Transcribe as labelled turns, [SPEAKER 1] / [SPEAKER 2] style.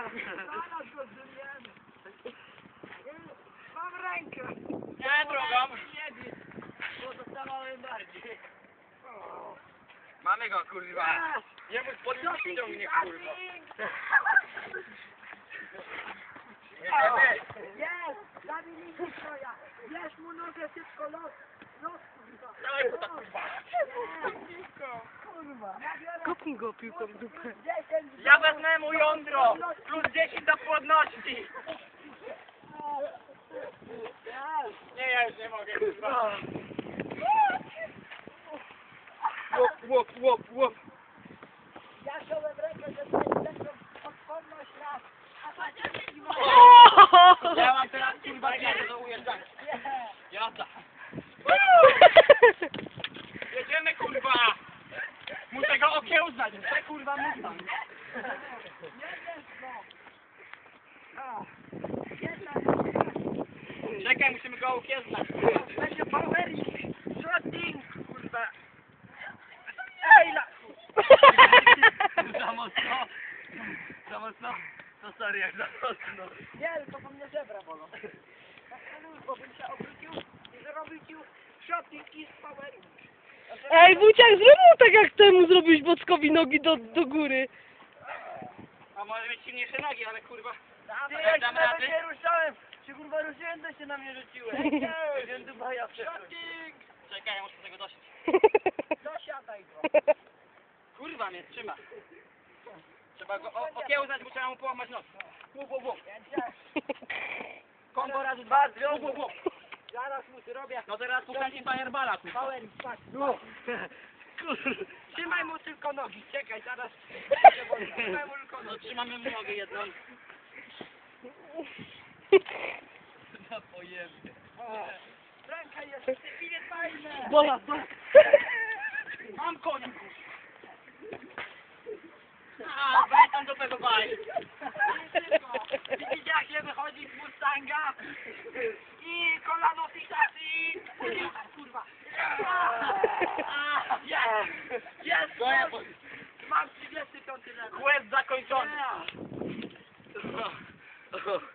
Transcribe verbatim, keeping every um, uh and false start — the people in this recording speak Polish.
[SPEAKER 1] Zaraz go zrymiemy. Mam rękę.
[SPEAKER 2] Nie, drugą.
[SPEAKER 1] Nie bij, bo dostawałem bardziej.
[SPEAKER 2] Mamy go, kurwa. Nie mógł podnieść mnie, kurwa.
[SPEAKER 1] Jest! Zabiliśmy twoja! Bierz mu nogę szybko, los! Los, kurwa!
[SPEAKER 2] Dawaj go tak, kurwa.
[SPEAKER 1] Kurwa!
[SPEAKER 3] Kopnij go piłką w dupę.
[SPEAKER 1] dziesięć!
[SPEAKER 2] Ja wezmę mu jądro. Plus dziesięć do płodności. Nie, ja już nie mogę, kurwa. Łop, łop, łop, łop.
[SPEAKER 1] Ja wziąłem rękę, że to jest lepszą odporność raz. A to nie ma.
[SPEAKER 2] Ja mam teraz, kurwa, nie do ujeżdżania. Jazda. Jedziemy, kurwa. Muszę go okiełznać. Muszę, kurwa, Mustang.
[SPEAKER 1] Jedziesz, no! A, jedna,
[SPEAKER 2] Czekaj, musimy go okiełznać.
[SPEAKER 1] będzie powering! Shooting, kurwa! Ej, la...
[SPEAKER 2] Za mocno. Za mocno. To sorry, jak za mocno.
[SPEAKER 1] Nie, to po mnie żebra bolą. Tak bo bym się obrócił i zrobił ci shooting i powering.
[SPEAKER 3] Ej, Wuciak, zrób mu tak jak temu zrobić Bockowi nogi do, do góry.
[SPEAKER 2] A może mieć silniejsze nogi, ale kurwa.
[SPEAKER 1] Ty,
[SPEAKER 2] jak
[SPEAKER 1] jak
[SPEAKER 2] dam
[SPEAKER 1] nawet
[SPEAKER 2] rady?
[SPEAKER 1] nie ruszałem, się kurwa ruszyłem, to się na mnie rzuciłeś. Wiem, Dubaja shooting!
[SPEAKER 2] Czekaj, ja muszę tego dosiąść.
[SPEAKER 1] Dosiadaj go.
[SPEAKER 2] Kurwa mnie trzyma. Trzeba go o- okiełznać, bo trzeba mu połamać nos. Łup, łup, łup. Kombo razy dwa, łup, łup, łup.
[SPEAKER 1] Zaraz mu zrobię.
[SPEAKER 2] No teraz puszczam fireballa, kurwa.
[SPEAKER 1] Powering, patrz. Trzymaj mu tylko nogi, czekaj, zaraz. Trzymaj mu tylko
[SPEAKER 2] No
[SPEAKER 1] nogi.
[SPEAKER 2] trzymamy mu nogę jedną. No pojemnie.
[SPEAKER 1] O, ręka jest nie fajne.
[SPEAKER 3] Bola, bola.
[SPEAKER 2] Mam konia, kurwa. A, weź tam do tego baj.
[SPEAKER 1] Widzicie jak się wychodzi z Mustanga? I kolano fixacji. Kurwa.
[SPEAKER 2] A, jest! Jest! No ja po...
[SPEAKER 1] Mam trzydziesty piąty level.
[SPEAKER 2] Quest zakończony.
[SPEAKER 1] Yeah.
[SPEAKER 2] O, o.